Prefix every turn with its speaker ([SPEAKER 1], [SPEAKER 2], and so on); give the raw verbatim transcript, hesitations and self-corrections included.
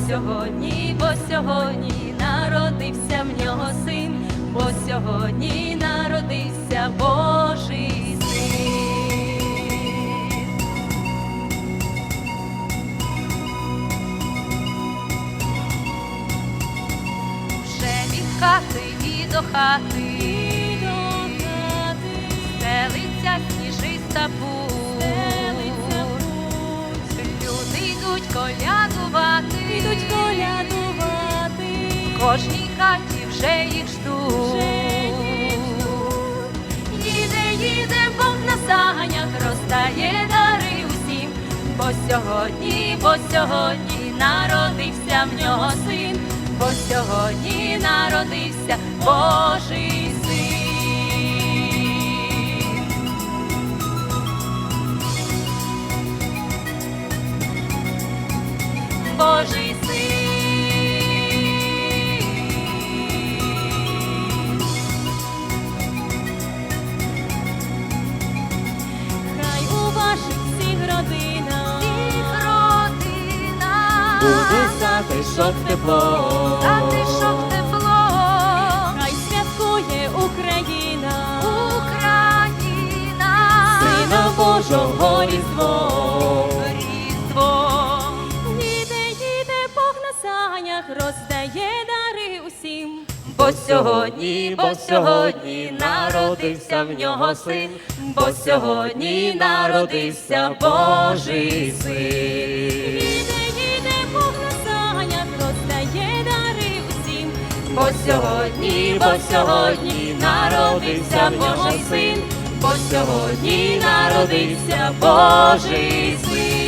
[SPEAKER 1] сьогодні, бо сьогодні народився в нього син, бо сьогодні народився Божий син. Вже від хати і до хати, і до хати стелиться сніжиста путь. Люди йдуть колядувати, йдуть колядувати, в кожній хаті вже їх ждуть. Їде, їде Бог на санях, роздає дари усім, бо сьогодні, бо сьогодні народився в нього син, бо сьогодні народився Божий син. Божий син. Хай у ваших всіх родинах, всіх родинах
[SPEAKER 2] буде затишок тепло,
[SPEAKER 1] затишок тепло. Хай святкує Україна, Україна,
[SPEAKER 2] Сина Божого Різдво.
[SPEAKER 1] Роздає дари усім, бо сьогодні, бо сьогодні народився в нього син, бо сьогодні народився Божий син. Їде, їде Бог на санях, роздає дари усім, бо сьогодні, бо сьогодні народився в нього син, бо сьогодні народився Божий син.